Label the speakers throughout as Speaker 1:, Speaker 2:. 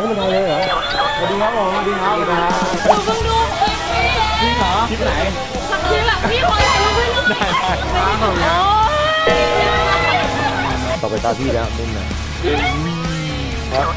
Speaker 1: ไม่เป็นไรเลยเหรอสวัสดีครับผมสวัสดีครับนะ
Speaker 2: หนูเพิ่งดูคลิปนี้
Speaker 1: จริงเหรอคลิปไหน
Speaker 2: คลิปแบบพี่คนถ่ายรูปให้หนู
Speaker 1: ได้ครับผมนะต่อไปตาพี่แล้วมุมไหนครับ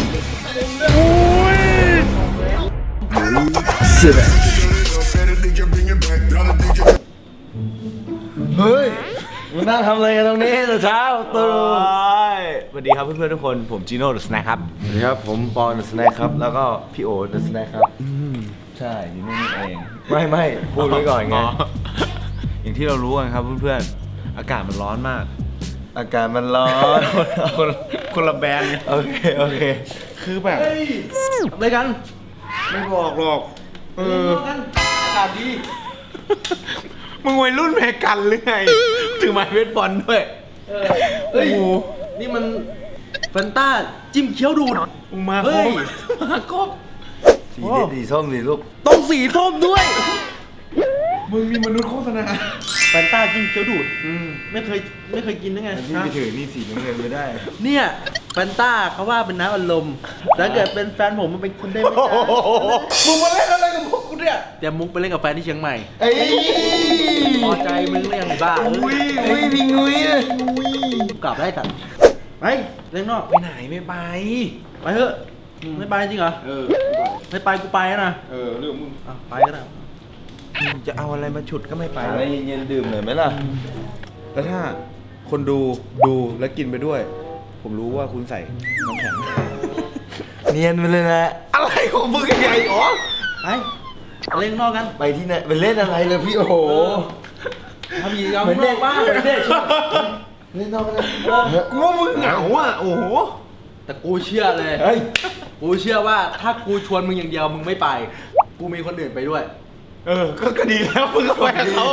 Speaker 1: เฮ้ยมึงนั่งทำอะไรกันตรงนี้แต่เช้าตื่นสวัสดีครับเพื่อนๆทุกคนผมจีโน่เดอะสแน็คครับสวัสดีครับผมปอนเดอะสแน็คครับแล้วก็พี่โอเดอะสแน็คครับใช่อยู่นี่เองไม่พูดไว้ก่อนไงอย่างที่เรารู้กันครับเพื่อนๆอากาศมันร้อนมากอากาศมันร้อนคนละแบรนด์โอเคคือแบบอะไรกันไม่บอกหรอกอากาศดีมึงวัยรุ่นเมกันหรือไงถือไม้เบสบอลด้วยโอ้โห
Speaker 3: นี่มันแฟนต้าจิ้มเคี้ยวดูด
Speaker 1: มึงมาครบมาครบสีส้มสีลูก
Speaker 3: ต้องสีส้มด้วย
Speaker 1: มึงมีมนุษย์โฆษณา
Speaker 3: แฟนต้าจิ้มเคี้ยวดูดไม่เคยกินได้ไง
Speaker 1: พี่ไปถือนี่สีน้ำเงินไม่ได้
Speaker 3: เนี่ยแฟนต้าเขาว่าเป็นน้ำอารมณ์ถ้าเกิดเป็นแฟนผมมันเป็นคุณได้ไหมจ๊ะ
Speaker 1: มึงมาเล่นอะไรกับพวกกูเนี่ย
Speaker 3: เตรียมมุกไปเล่นกับแฟนที่เชียงใหม่
Speaker 1: เอ้ย
Speaker 3: พอใจมึงหรือยังไงบ้า
Speaker 1: อุ้ยพิงอุ้ยเลย
Speaker 3: กลับได้สัตว์ไปเล่นนอก
Speaker 1: ไปไหนไม่ไป
Speaker 3: ไปเถอะไม่ไปจริงเหรอไม่ไปกูไปนะ
Speaker 1: เรื่องมึง
Speaker 3: ไปก็ได้
Speaker 1: จะเอาอะไรมาฉุดก็ไม่ไปอะไรเย็นๆดื่มหน่อยไหมล่ะแล้วถ้าคนดูแล้วกินไปด้วย ผมรู้ว่าคุณใส่น้ำแข็งเนียนไปเลยนะอะไรของมึงใหญ่อ๋อ
Speaker 3: ไปเล่นนอกกัน
Speaker 1: ไปที่ไหนไปเล่นอะไรเลยพี่โอ้โห
Speaker 3: ทำยีเอานอกบ้างเหมือนเด็ก
Speaker 1: เล่นนอกกันกูว่ามึงเหงาอ่ะโอ้โห
Speaker 3: แต่กูเชื่อเลย
Speaker 1: เฮ้ย
Speaker 3: กูเชื่อว่าถ้ากูชวนมึงอย่างเดียวมึงไม่ไป กูมีคนอื่นไปด้วย
Speaker 1: ก็ดีแล้วมึงก็ไปกับเขา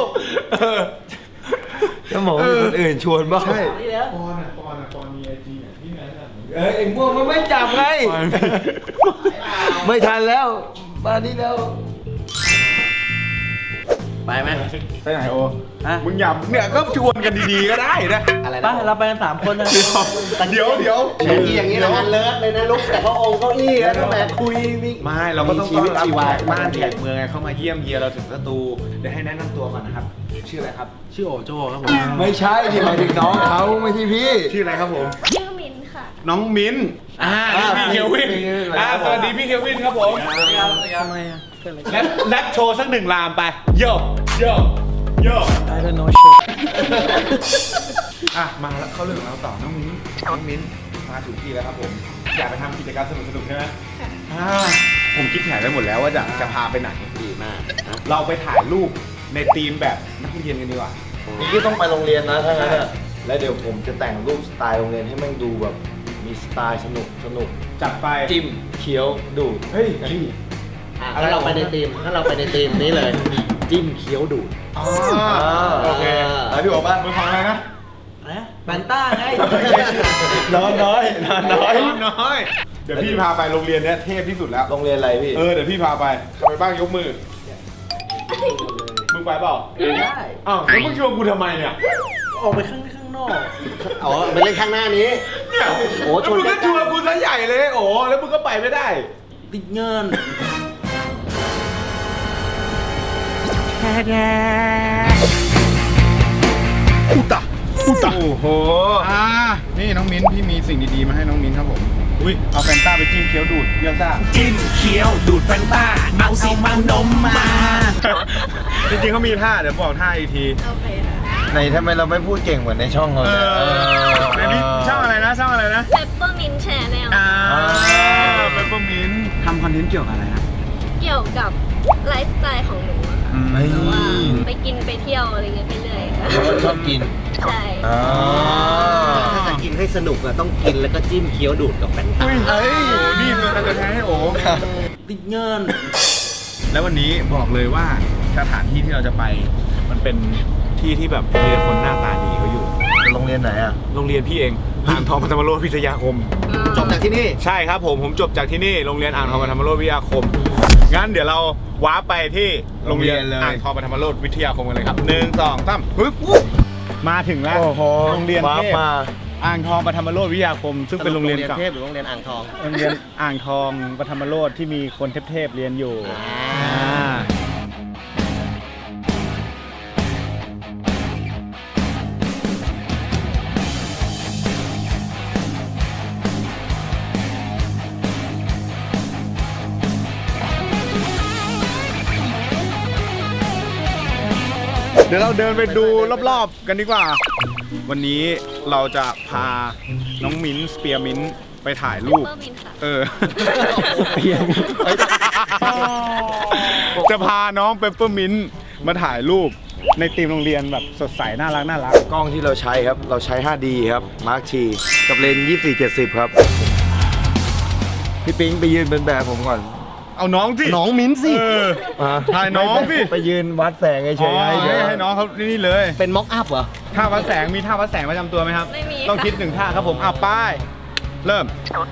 Speaker 1: จะบอกว่าคนอื่นชวนบ้างใช่
Speaker 3: นี่แล้ว
Speaker 4: ปอนมีไอจีเนี่ยที่ไหนน่ะ
Speaker 1: เอ็งพวกมันไม่จับไงไม่ทันแล้วมานี่แล้ว
Speaker 3: ไปไหม
Speaker 4: ไปไหนโอ
Speaker 3: ฮะ
Speaker 4: มึงอย่าเนี่ยก็ชวนกันดีๆก็ได้นะ
Speaker 3: อะไรไปเราไปกัน3 คนนะ
Speaker 4: เดี๋ยว
Speaker 5: แข่งที่อย่างนี้นะเลิศเลยนะลุกแต่เขาองค์เก้าอี้แล้วก็แบบคุยวิ่ง
Speaker 4: ไม่เราก็ต้อง
Speaker 5: ชีวิตชีวา
Speaker 4: บ้านแขกเมืองไงเข้ามาเยี่ยมเยียเราถึงสตูเดี๋ยวให้แนะนำตัวก่อนนะครับชื่ออะไรครับ
Speaker 3: ชื่อโอโจ้ครับผม
Speaker 1: ไม่ใช่ที่หมายถึงน้องเขาไม่ใช่พี่
Speaker 4: ชื่ออะไรครับผม
Speaker 2: ชื่อมินค่ะ
Speaker 4: น้องมิ้นนี่พี่เควินสวัสดีพี่เควินครับผม
Speaker 3: ทำไมอ่ะ
Speaker 4: แรปโชว์สัก1 ลามไปโย
Speaker 3: I don't know shit
Speaker 4: มาแล้วเข้าเรื่องของเราต่อน้องมิ้นมาถูกที่แล้วครับผมอยากไปทำกิจกรรมสนุกๆใช่ไหมผมคิดแผนไว้หมดแล้วว่าจะพาไปไหน
Speaker 5: ดีมากนะ
Speaker 4: เราไปถ่ายรูปในธีมแบบนักเรียนกันดีกว่า
Speaker 1: นี่ก็ต้องไปโรงเรียนนะถ้างั้นอะแล้วเดี๋ยวผมจะแต่งรูปสไตล์โรงเรียนให้แม่งดูแบบมีสไตล์สนุก
Speaker 4: จัดไป
Speaker 1: จิ้มเคี้ยวดูด
Speaker 4: เฮ้ย
Speaker 5: ถ้าเราไปในทีมนี้เลย จิ้มเคี้ยวดูด
Speaker 4: โอเค
Speaker 1: แล้วพี่บอกว่า
Speaker 4: มึงฟังอะไรนะ
Speaker 3: นะแฟนต้าไง
Speaker 1: นอนน้อย
Speaker 4: เดี๋ยวพี่พาไปโรงเรียนเนี้ยเทพที่สุดแล้ว
Speaker 1: โรงเรียนอะไรพี่
Speaker 4: เดี๋ยวพี่พาไปใครไปบ้างยกมือ มึงไปเปล่า
Speaker 3: ได้
Speaker 4: อ้าวแล้วมึงชวนกูทำไมเนี่ย
Speaker 3: ออกไปข้างนอก
Speaker 5: อ๋อไปเล่นข้างหน้านี้
Speaker 4: เนี่ย
Speaker 5: โอ้ชวน
Speaker 4: แล้วมึงก็ชวนกูซะใหญ่เลยโอ้แล้วมึงก็ไปไม่ได้
Speaker 3: ติดเงิน
Speaker 4: โอ้โหนี่น้องมิ้นพี่มีสิ่งดีๆมาให้น้องมิ้นครับผมอุ้ยเอาแฟนต้าไปจิ้มเคี้ยวดูดเยี่ยมซ่า
Speaker 6: จิ้มเคี้ยวดูดแฟนต้าเอาสิเมานมมา
Speaker 4: จริงๆเขามีท่าเดี๋ยวบอกท่าอีกที
Speaker 2: โอเคค่ะ
Speaker 1: ในทำไมเราไม่พูดเก่งเหมือนในช่องเราเนี่ย
Speaker 4: ในนี้ช่องอะไรนะ
Speaker 2: เปปเปอร์มินแชร์แนล
Speaker 4: เปปเปอร์มินทำคอนเทนต์เกี่ยวกับอะไรนะ
Speaker 2: เกี่ยวกับไลฟ์สไตล์ของหนูอะค่ะ
Speaker 1: ไม่
Speaker 2: แต่ว่าไปกินไปเที่ยวอะไรเงี้ยไปเรื่อยค่ะ
Speaker 1: ชอบกิน
Speaker 2: ใช่
Speaker 5: ถ้าจะกินให้สนุกอะต้องกินแล้วก็จิ้มเคี้ยวดูดกับแฟนตา
Speaker 4: เอ้ยนี่คือการจะแท้ให้โอ้
Speaker 3: ติดเงิน
Speaker 4: แล้ววันนี้บอกเลยว่าสถานที่ที่เราจะไป มันเป็นที่ที่แบบมีแต่คนหน้าตาดีเขาอยู่
Speaker 1: โรงเรียนไหนอ่ะ
Speaker 4: โรงเรียนพี่เองอ่างทองปฐมโรสพิทยาคม
Speaker 5: จบจากที่นี่
Speaker 4: ใช่ครับผมจบจากที่นี่โรงเรียนอ่างทองปฐมโรสวิทยาคมงั้นเดี๋ยวเราว้าร์ปไปที่โรงเรียน
Speaker 1: โรงเรียนเลย
Speaker 4: อ่างทองปฐมโรสวิทยาคมกันเลยครับ1 2 3ปึ๊บมาถึงแล้ว
Speaker 1: โอ้โห
Speaker 4: โรงเรียน
Speaker 1: ว้า
Speaker 4: เทพ
Speaker 1: มา
Speaker 4: อ่างทองปฐมโรสวิทยาคม ซึ่งเป็นโรงเรียนเก่า
Speaker 5: เทพหรือโรงเรียนอ่างทอง
Speaker 4: โรงเรียนอ่างทองปฐมโรสที่มีคนเทพๆเรียนอยู่เดี๋ยวเราเดินไปดูรอบๆกันดีกว่า วันนี้เราจะพาน้องมิ้นสเปียร์มิ้นไปถ่ายรูป
Speaker 2: เปอร์มินค่ะ
Speaker 4: จะพาน้องเปปเปอร์มิ้นมาถ่ายรูปในทีมโรงเรียนแบบสดใสน่ารักน่ารัก
Speaker 1: กล้องที่เราใช้ครับ เราใช้ 5D ครับ Mark T กับเลนส์24-70 ครับ พี่ปิ๊งไปยืนเป็นแบบผมก่อน
Speaker 4: เอาน้องสิ
Speaker 5: น้องมิ้นสิ
Speaker 4: ถ่ายน้องสิ
Speaker 1: ไปยืนวัดแสงเฉยๆ
Speaker 4: ให้น้องเขานี่เลย
Speaker 5: เป็นม็อกอัพเหรอ
Speaker 4: ท่าวัดแสงมีท่าวัดแสงประจำตัวไหมครับ
Speaker 2: ไม่มี
Speaker 4: ต้องคิดหนึ่งท่าครับผมเอาป้ายเริ่ม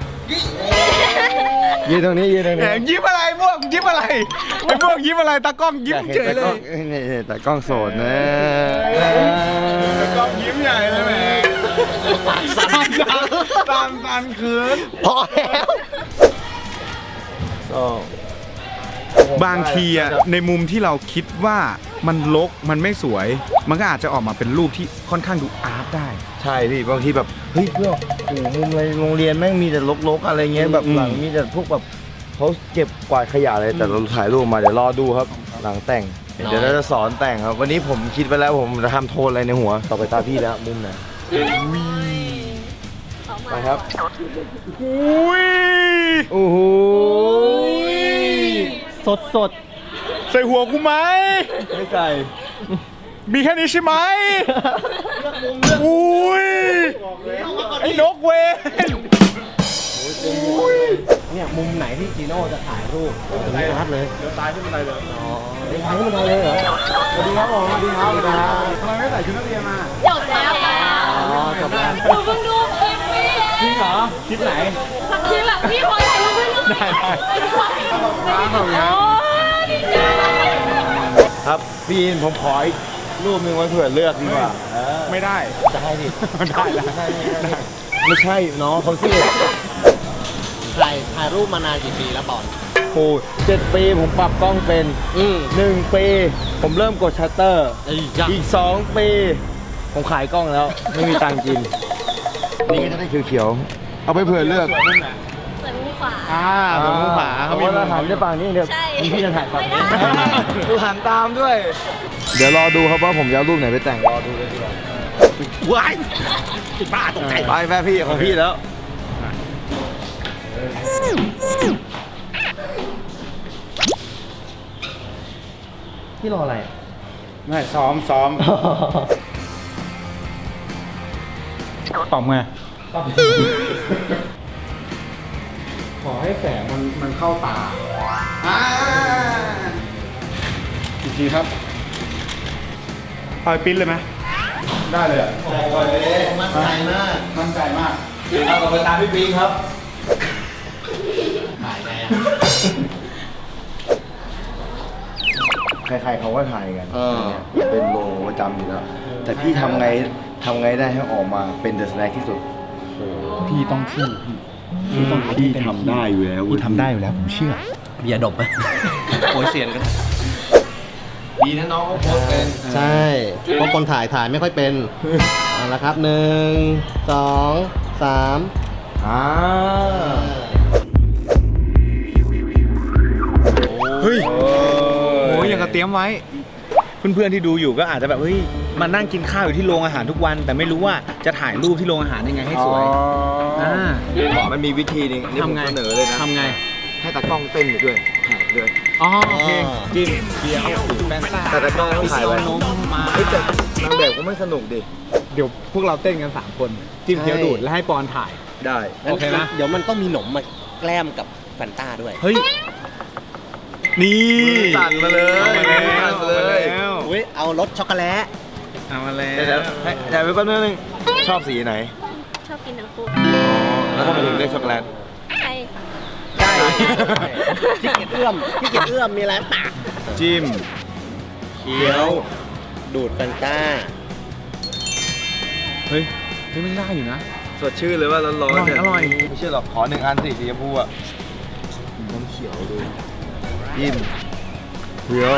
Speaker 1: ยืนตรงนี้ยืนตรง
Speaker 4: แหม
Speaker 1: นี้
Speaker 4: ยิ้มอะไรพวกยิ้มอะไรไอ้พวกยิ้มอะไรตากล้องยิ้มเฉยเลย
Speaker 1: นี่แต่กล้องโสดนะ
Speaker 4: ตากล้องยิ้มใหญ่เลยแหมสันคืน
Speaker 5: พอแล้ว
Speaker 4: บางทีอะในมุมที่เราคิดว่ามันรกมันไม่สวย มันก็อาจจะออกมาเป็นรูปที่ค่อนข้างดูอาร์ตได้
Speaker 1: ใช่พี่บางทีแบบเฮ้ยเพื่อนโอ้โหมุมอะไรโรงเรียนแม่งมีแต่รกๆอะไรเงี้ยแบบหลังมีแต่พวกแบบเขาเก็บกวาดขยะอะไรแต่เราถ่ายรูปมาเดี๋ยวรอดูครับหลังแต่ง เดี๋ยวเราจะสอนแต่งครับ วันนี้ผมคิดไปแล้วผมจะทำโทนอะไรในหัวต่อไปตาพี่แล้วมุมไหน
Speaker 2: เขามา
Speaker 1: ไปครับ
Speaker 4: อุ้ย
Speaker 1: โอ้โห
Speaker 5: สด
Speaker 4: ใส่หัวกูไหม
Speaker 1: ไม่ใส่
Speaker 4: มีแค่นี้ใช่ไหมอุ้ยไอ้นกเวน
Speaker 5: เนี่ยมุมไหนที่จีโน่จะถ่ายรูปตรงนี้ชัดเลย
Speaker 4: เดี๋ยวตายขึ้นบันไดเลย
Speaker 5: เดี๋ยวถ่ายขึ้นมาเลยเหรอ
Speaker 1: สวัสดีครับผมสวัสดีครับ
Speaker 4: ทำไมไม่ใส่ชุดนักเรียนมา
Speaker 2: จบแล้วค่ะ
Speaker 5: อ๋อจบแล้ว
Speaker 2: หนูเพิ่งดูคลิปพี่
Speaker 4: จริงเหรอคลิปไหน
Speaker 2: คลิปแบบพี่ขอถ่ายรูปให้หน่อย
Speaker 4: ได้
Speaker 2: โอ้ยดีใจ
Speaker 1: ครับพี่อินผมขออีกรูปหนึงไว้เผื่อเลือกดีกว่า
Speaker 4: ไม่ได้
Speaker 1: ได้ดิ
Speaker 4: ได้แล้ว
Speaker 1: ไม่ใช่น้องเขาสิ
Speaker 5: ถ่ายรูปมานานกี่ปีแล้วบอล
Speaker 1: โอ้7 ปีผมปรับกล้องเป็น 1 ปีผมเริ่มกดชัตเตอร์ อีก 2 ปีผมขายกล้องแล้ว ไม่มีตังค์กิน นี่ก็จะได้เขียวๆ เอาไปเผื่อเลือก
Speaker 2: เปิดมุมขวา
Speaker 4: ตรงมุมขวา
Speaker 1: เขามีเราหันได้ฝั่งนี้เดี๋ยว
Speaker 2: ใช่
Speaker 1: พี่จะถ่ายฝั่งนี้
Speaker 2: ไม่ได้
Speaker 1: ดูหันตามด้วย เดี๋ยวรอดูครับว่าผมจะเอารูปไหนไปแต่งรอดูเลยดีกว่า
Speaker 5: ว้ายติดบ้าตกใจ
Speaker 1: ไปแม่พี่ของพี่แล้ว
Speaker 5: พี่รออะไร
Speaker 4: ไม่ซ้อมตอบไงขอให้แสงมันเข้าตาอีกทีครับปล่อยปิ้นเลยไหมได้เลยอ่ะ
Speaker 5: มั่นใจมาก
Speaker 4: มั่นใจมาก
Speaker 1: เอาต่อไปตามพี่ปิงครับ
Speaker 5: ถ่ายไงอ่ะ
Speaker 1: ใครๆเขาก็ถ่ายกันเป็นโลประจำอยู่แล้ว แต่พี่ทำไงได้ให้ออกมาเป็นเดอะสแน็คที่สุด
Speaker 4: พี่ต้องสู้พี่ทำได้อยู่แล้วพี่ทำได้อยู่แล้วผมเชื่อ
Speaker 5: เบียร์ดบไหมโอยเซียนกัน
Speaker 1: ดีนะน้องเขาโพสเป็น
Speaker 5: ใช่ เพราะคนถ่ายไม่ค่อยเป็นเอาละครับ 1 2 3
Speaker 4: เฮ้ยโอ้ยอย่างกับเตรียมไว้ เพื่อนๆที่ดูอยู่ก็อาจจะแบบเฮ้ยมานั่งกินข้าวอยู่ที่โรงอาหารทุกวัน แต่ไม่รู้ว่าจะถ่ายรูปที่โรงอาหารยังไงให้สวย
Speaker 1: มันมีวิธีหนึงอันนี้ผม
Speaker 4: ทำไง
Speaker 1: เสนอเลยนะ
Speaker 4: ทำไง
Speaker 1: ให้ตากล้องเต้นไปด้วยถ่ายไปด้วย
Speaker 4: อ๋อโอเคจิ้มเคี้ยวแป้งซ่า
Speaker 1: แต่ตากล้องต้องถ่ายไว้
Speaker 4: นมมา
Speaker 1: เฮ้ยแต่นางแบบก็ไม่สนุกดิ
Speaker 4: เดี๋ยวพวกเราเต้นกัน3คนจิ้มเคี้ยวดูดแล้วให้ปอนถ่าย
Speaker 1: ได้
Speaker 4: โอเคนะ
Speaker 5: เดี๋ยวมันต้องมีหนมมาแกล้มกับแฟนต้าด้วย
Speaker 4: เฮ้ยนี่
Speaker 1: สั่นมาเลย
Speaker 4: เอามาแล้ว
Speaker 1: สั่นมาเลย
Speaker 5: อุ้ยเอารสช็อกโกแลต
Speaker 4: เอามาแล้
Speaker 1: เดี๋ยวให้เดี๋ยวไปแป๊บนึงชอบสีไหน
Speaker 2: ชอบกินทั้งคู่
Speaker 1: แล้วก็มาถึงเลือกช็อกโกแลต
Speaker 2: ใช่ค่ะ
Speaker 5: ได้ขี้เกียจเอื้อมมีอะไรปาก
Speaker 4: จิ้ม
Speaker 5: เคี้ยว ดูดแฟนต้า
Speaker 4: เฮ้ยมันได้อยู่นะ
Speaker 5: ใ
Speaker 1: สดชื่นเลยว่าร้อนๆเนี่ย
Speaker 4: อร่อย
Speaker 1: ไม่เชื่อหรอกขอ1 อันสิสีชมพูอ่ะน้ำเขียวดูยิ้มเพียว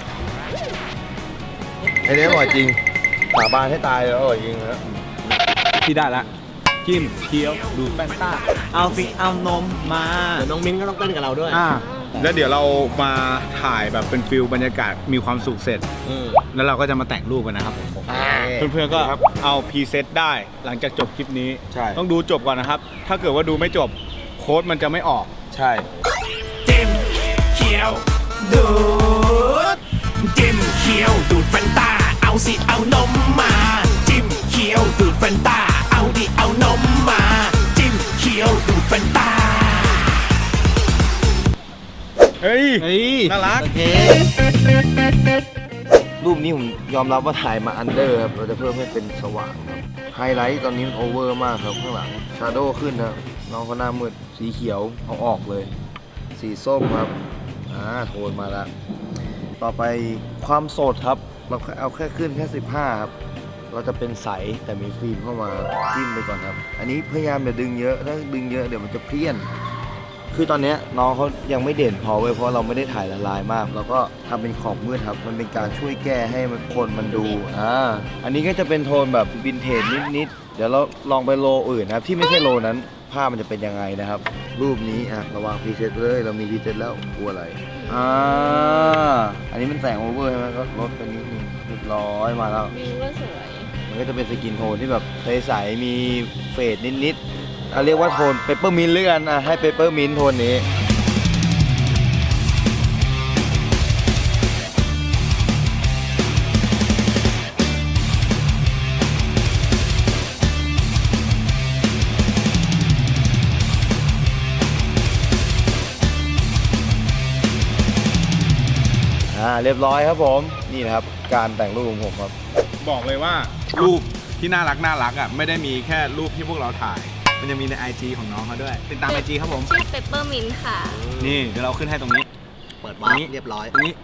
Speaker 1: ไอ้นี่อร่อยจริงสาบานให้ตายแล้วอร่อยจริงนะ
Speaker 4: ที่ได้ละจิ้มเคี้ยวดูดแฟนต้าเอาสิเอานมมา
Speaker 5: เดี๋ยวน้องมิ้นก็ต้องเต้นกับเราด้วย
Speaker 4: แล้วเดี๋ยวเรามาถ่ายแบบเป็นฟิลบรรยากาศมีความสุขเสร็จ แล้วเราก็จะมาแต่งรูปกันนะครับผมเพื่อนๆก็เอาพรีเซตได้หลังจากจบคลิปนี้
Speaker 1: ใช่
Speaker 4: ต้องดูจบก่อนนะครับ ถ้าเกิดว่าดูไม่จบโค้ดมันจะไม่ออก
Speaker 1: ใช่
Speaker 6: จิ้มเขียวดูดจิ้มเขียวดูดแฟนตาเอาสิเอานมมาจิ้มเขียวดูดแฟนตาเอาดิเอานมมาจิ้มเขียวดูดแฟนตา
Speaker 4: เฮ้ยน่ารัก
Speaker 5: โอเค
Speaker 1: รูปนี้ผมยอมรับว่าถ่ายมาอันเดอร์ครับเราจะเพิ่มให้เป็นสว่างครับไฮไลท์ตอนนี้มันโอเวอร์มากครับข้างหลังชาโดว์ขึ้นครับน้องเขาหน้ามืดสีเขียวเอาออกเลย สีส้มครับโทนมาแล้วต่อไปความโสดครับเราเอาแค่ขึ้นแค่15ครับเราจะเป็นใสแต่มีฟิล์มเข้ามาจิ้มไปก่อนครับอันนี้พยายามอย่าดึงเยอะถ้าดึงเยอะเดี๋ยวมันจะเพี้ยน คือตอนเนี้ยน้องเขายังไม่เด่นพอเว้ยเพราะเราไม่ได้ถ่ายละลายมาก แล้วก็ทำเป็นขอบมืดครับมันเป็นการช่วยแก้ให้คนมันดูอันนี้ก็จะเป็นโทนแบบวินเทจนิดๆเดี๋ยวเราลองไปโลอื่นนะครับที่ไม่ใช่โลนั้นภาพมันจะเป็นยังไงนะครับ รูปนี้ระวังพรีเซตเลยเรามีพรีเซตแล้วกลัวอะไรอันนี้มันแต่งโอเวอร์ใช่ไหมก็ลดไปนิดนึงเรียบร้อยมาแล้ว
Speaker 2: วิวก็สวย
Speaker 1: มันก็จะเป็นสกินโทนที่แบบใสๆมีเฟดนิดๆเรียกว่าโทนเปเปอร์มินต์หรือกันให้เปเปอร์มินต์โทนนี้เรียบร้อยครับผมนี่นะครับการแต่งรูปของผมครับ
Speaker 4: บอกเลยว่ารูปที่น่ารักอ่ะไม่ได้มีแค่รูปที่พวกเราถ่าย มันยังมีใน IG ของน้องเขาด้วย ติดตาม IG ครับผม
Speaker 2: ชื่อเปปเปอร์มินค่ะ
Speaker 4: นี่เดี๋ยวเราขึ้นให้ตรงนี้
Speaker 5: เปิดวาร์ปเรียบร้อย
Speaker 4: ตรงนี้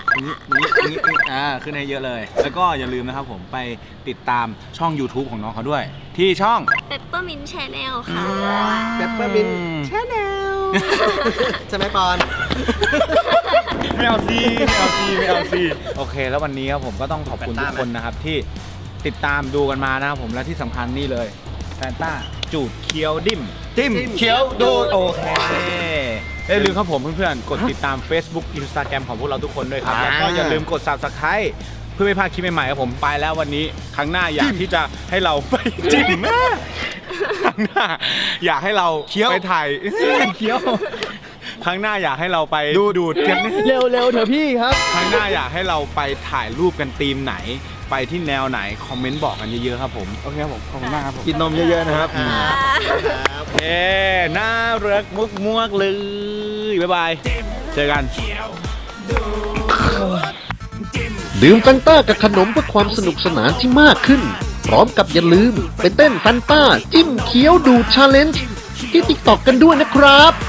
Speaker 4: ขึ้นให้เยอะเลย แล้วก็อย่าลืมนะครับผมไปติดตามช่อง YouTube ของน้องเขาด้วย ที่ช่อง
Speaker 2: เปปเปอร์มินแชนแนลค่ะ
Speaker 5: เปปเปอร์มินชาแนลใช่ไหมปอน
Speaker 4: ไม่เอาซีโอเค แล้ววันนี้ครับผมก็ต้องขอบคุณทุกคนนะครับที่ติดตามดูกันมานะครับผมและที่สำคัญนี่เลยแฟนต้าจูดเคียวจิ้มเคียวดูดโอเคอย่าลืมครับผมเพื่อนๆกดติดตาม Facebook Instagram ของพวกเราทุกคนด้วยครับแล้วก็อย่าลืมกด Subscribe เพื่อไม่พลาดคลิปใหม่ๆครับผมไปแล้ววันนี้ครั้งหน้าอยากที่จะให้เราไปจิ้มครั้งหน้าอยากให้เราไปถ่ายเคี้ยวครั้งหน้าอยากให้เราไปดูดกันเร็วๆเถอะพี่ครับครั้งหน้าอยากให้เราไปถ่ายรูปกันธีมไหนไปที่แนวไหนคอมเมนต์บอกกันเยอะๆครับผมโอเคครับผมขอบคุณมากครับผม
Speaker 1: กินนมเยอะๆนะครับ
Speaker 4: น่ารักมวกๆเลยบ๊ายบายเจอกัน
Speaker 7: ดื่มแฟนต้ากับขนมเพื่อความสนุกสนานที่มากขึ้น พร้อมกับอย่าลืมไปเต้นแฟนต้าจิ้มเคี้ยวดูดชาเลนจ์ที่ TikTok กันด้วยนะครับ